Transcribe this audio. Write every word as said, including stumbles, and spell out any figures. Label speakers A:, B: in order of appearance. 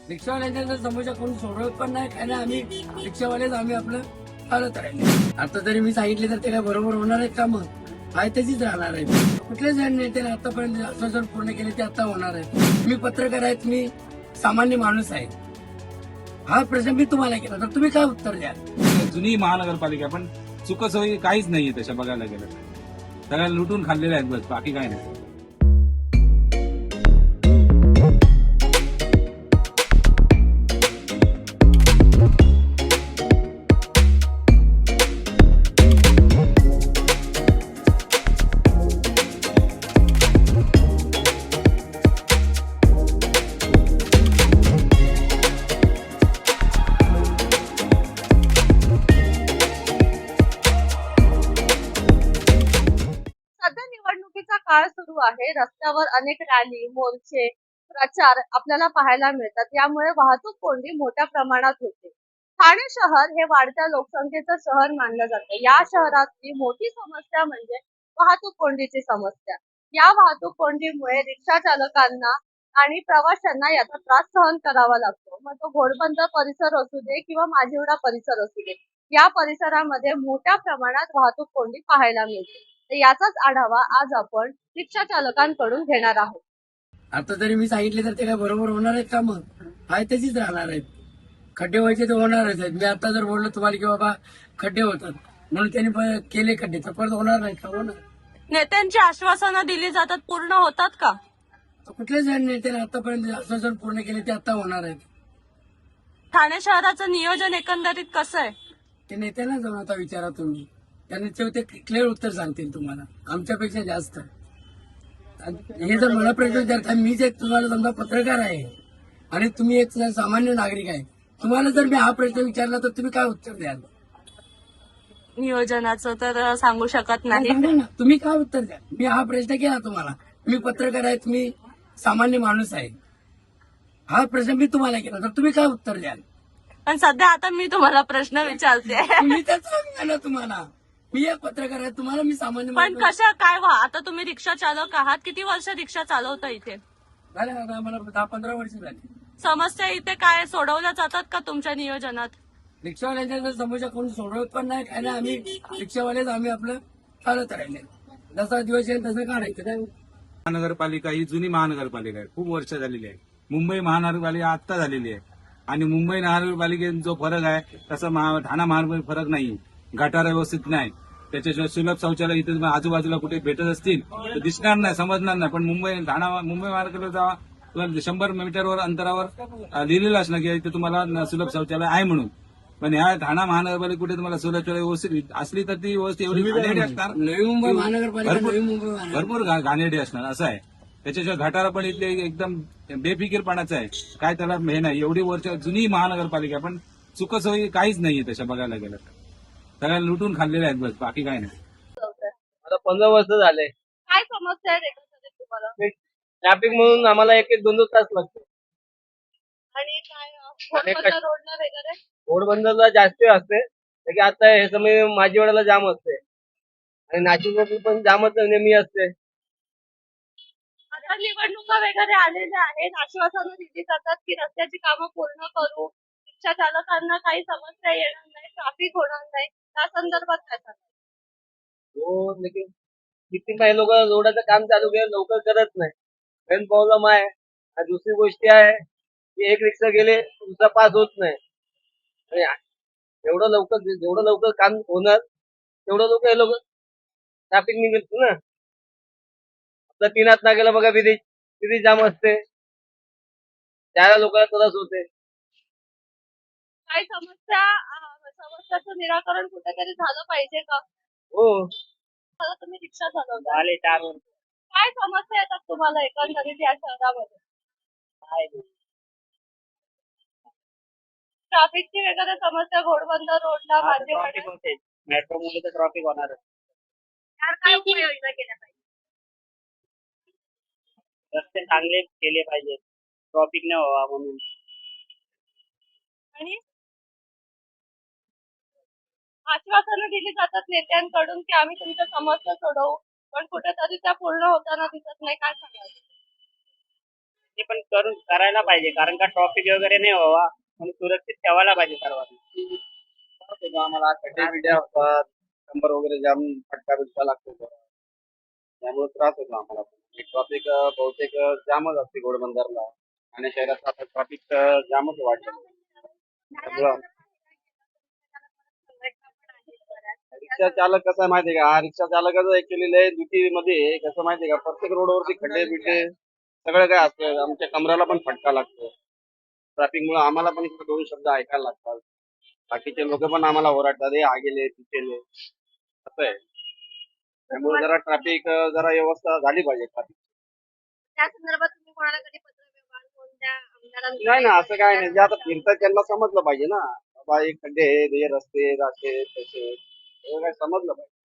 A: रिक्षावाल्यांच्या जर समस्या कोणी सोडवत पण नाही काय नाही, आम्ही रिक्षावालेच आम्ही आपलं चालत राहिले. आता तरी मी सांगितले तर ते काय बरोबर होणार आहेत का? मग आहे तशीच राहणार आहे. कुठल्याच नेत्याने आतापर्यंत आश्वासन पूर्ण केले ते आता होणार आहे. मी पत्रकार आहेत, मी सामान्य माणूस आहे. हा प्रश्न मी तुम्हाला केला तर तुम्ही काय उत्तर द्या?
B: जुनी महानगरपालिका पण चुकसोयी काहीच नाहीये तशा बघायला गेलं तर. सगळ्या लुटून खाल्लेल्या आहेत बस, बाकी काय नाही.
C: सध्या निवडणुकीचा काळ सुरू आहे. रस्त्यावर अनेक रॅली, मोर्चे, प्रचार आपल्याला पाहायला मिळतात. यामुळे वाहतूक कोंडी मोठ्या प्रमाणात होते. ठाणे शहर हे वाढत्या लोकसंख्येचं शहर मानलं जातं. या शहरातली मोठी समस्या म्हणजे वाहतूक कोंडीची समस्या. या वाहतूक कोंडीमुळे रिक्षा चालकांना आणि प्रवाशांना याचा त्रास सहन करावा लागतो. मग तो घोडबंदर परिसर असू दे किंवा माझीवडा परिसर असू दे, या परिसरामध्ये मोठ्या प्रमाणात वाहतूक कोंडी पाहायला मिळते. तर याचाच आढावा आज आपण रिक्षा चालकांकडून घेणार आहोत.
A: आता तरी मी सांगितले तर ते काय बरोबर होणार आहेत का? मग आहे तशीच राहणार आहेत. खड्डे व्हायचे तर होणारच आहेत. मी आता जर बोललो तुम्हाला की बाबा खड्डे होतात म्हणून त्यांनी प- केले खड्डे तर परत होणार नाही का? होणार.
C: नेत्यांची आश्वासनं दिली जातात, पूर्ण होतात का?
A: तर कुठल्याच नेत्याने आतापर्यंत आश्वासन पूर्ण केले ते आता होणार आहेत.
C: ठाणे शहराचं नियोजन एकंदरीत कसं आहे?
A: ते नेत्यांना जाऊन आता विचारा तुम्ही, त्यांनी ते क्लिअर उत्तर सांगतील तुम्हाला आमच्यापेक्षा जास्त. आणि हे जर मला प्रश्न विचारता, मीच एक तुम्हाला समजा पत्रकार आहे आणि तुम्ही एक सामान्य नागरिक आहे, तुम्हाला जर मी हा प्रश्न विचारला तर तुम्ही काय उत्तर द्याल?
C: नियोजनाचं तर सांगू शकत नाही.
A: सांगा ना, तुम्ही काय उत्तर द्या? मी हा प्रश्न केला तुम्हाला, मी पत्रकार आहे, तुम्ही सामान्य माणूस आहे. हा प्रश्न मी तुम्हाला केला तर तुम्ही काय उत्तर द्याल?
C: पण सध्या आता मी तुम्हाला प्रश्न विचारते.
A: मी तर सांगा ना तुम्हाला, मी एक पत्रकार आहे, तुम्हाला मी सामान्य
C: पण
A: माणूस.
C: कशा काय व्हा, आता तुम्ही रिक्षा चालक आहात, किती वर्ष रिक्षा चालवता इथे?
A: झाले आता आम्हाला दहा पंधरा वर्ष झाली.
C: समस्या इथे काय सोडवल्या जातात का तुमच्या नियोजनात?
A: रिक्षावाल्यांच्या जर समस्या कोणी सोडवत पण नाही काय नाही, आम्ही रिक्षावालेच आम्ही आपलं चालत राहिले. जसा दिवस येईल तसं काढायचं काय.
B: महानगरपालिका ही जुनी महानगरपालिका आहे, खूप वर्ष झालेली आहे. मुंबई महानगरपालिका आत्ता झालेली आहे आणि मुंबई महानगरपालिकेत जो फरक आहे तसा महा- ठाणा महानगरपालिकेत फरक नाही. गटार व्यवस्थित नाही, त्याच्याशिवाय सुलभ शौचालय इथे आजूबाजूला कुठे भेटत असतील तर दिसणार नाही, समजणार नाही. पण मुंबई ठाणा मुंबई महानगरपालिकेत जावा, तुम्हाला शंभर मीटरवर अंतरावर अं, लिहिलेलं असणार की इथे तुम्हाला न- सुलभ शौचालय आहे म्हणून. पण ह्या ठाणा महानगरपालिका कुठे तुम्हाला सुलभ शौचालय व्यवस्थित असली तर ती व्यवस्थित एवढी घाणेरडी असणार.
A: नवी मुंबई महानगरपालिका
B: भरपूर-
A: नवी मुंबई महानगर
B: भरपूर घा- घाणेरडी असणार असं आहे. त्याच्याशिवाय गटारा पण इथले एकदम बेफिकीरपणाचं आहे. काय त्याला हे नाही, एवढी वर्ष जुनी महानगरपालिका पण चुकसोयी काहीच नाहीये तशा बघायला गेलं तर. सगळ्या लुटून खाल्लेल्या आहेत बस, बाकी काय नाही.
D: आता पंधरा वर्ष झाले.
C: काय समस्या आहे एकंदरीत तुम्हाला?
D: ट्रॅफिक म्हणून आम्हाला एक एक दोन दोन तास लागतो.
C: आणि काय
D: आणि
C: घोडबंदर रोडला वगैरे?
D: घोडबंदरला जास्त वेळ असते, तर की आता हे समय माझी वेळेला जाम असते आणि नाशिकमध्ये पण जामच नेहमी असते.
C: आता निवडणुका वगैरे आलेल्या आहेत, आश्वासनं दिली जातात की रस्त्याची कामं पूर्ण करू, रिक्षा चालकांना काही समस्या येणार नाही, ट्रॅफिक होणार नाही. त्या संदर्भात काय सांगाल?
D: हो, लेकिन किती काही लोक रोडाचं काम चालू केलं लवकर करत नाही. मेन प्रॉब्लेम आहे. आणि दुसरी गोष्ट आहे की एक रिक्षा गेले दुसरा पास होत नाही. आणि एवढं लवकर जेवढं लवकर काम होणार तेवढं लोक हे लोक ट्रॅफिक निघत ना. आपल्या तीनात ना गेलं बघा, किती किती जाम असते, त्याला लोकांना त्रास होते.
C: काही समस्या अं, समस्याचं निराकरण कुठेतरी झालं पाहिजे का?
D: हो,
C: आता तुम्ही रिक्षा चालवता,
D: झाले चार वर्ष.
C: काय समस्या येतात तुम्हाला एकंदरीत या शहरामध्ये? ट्रॅफिकची वगैरे समस्या, घोडबंदर रोडला माझेवाडा,
D: मेट्रो मुळे तर ट्रॅफिक होणार.
C: यार काय उपाययोजना केल्या पाहिजे?
D: रस्ते चांगले केले पाहिजे, ट्रॅफिक नाही व्हावा म्हणून.
C: आणि आश्वासनं दिली जातात नेत्यांकडून की आम्ही तुमच्या समस्या सोडवू, पण कुठेतरी त्या पूर्ण होताना दिसत नाही. काय सांगाल?
E: ते पण करून करायला पाहिजे, कारण का ट्रॉफिक वगैरे नाही व्हावा म्हणून सुरक्षित ठेवायला पाहिजे सर्वांनी.
D: त्रास होतो आम्हाला खड्डे बिड्डे असतात, नंबर वगैरे जाम फटका बिटका लागतो त्यामुळे त्रास होतो आम्हाला. ट्रॉफिक बहुतेक जामच असते घोडबंदरला आणि शहरात आता ट्रॉफिक जामच वाढलं. त्यामुळं रिक्षा चालक कसं आहे माहितीये का, हा रिक्षा चालकाचं ऍक्च्युली लय मध्ये कसं माहितीये का, प्रत्येक रोडवरती खड्डे बिड्डे सगळं काय असतं. आमच्या कमराला पण फटका लागतो. ट्रॅफिक मुळे आम्हाला पण इकडे दोन शब्द ऐकायला लागतात. बाकीचे लोक पण आम्हाला ओरडतात, हे हा गेले तिथे असं आहे. त्यामुळे जरा ट्रॅफिक जरा व्यवस्था झाली पाहिजे ट्रॅफिक.
C: त्या संदर्भात तुम्ही कोणाला कधी पत्र व्यवहार कोणत्या आमदारांना
D: नाही ना, असं काय नाही. जे आता फिरतात त्यांना समजलं पाहिजे ना, बाबा हे खड्डे आहेत, हे रस्ते आहेत, असे तसे, हे काय समजलं पाहिजे.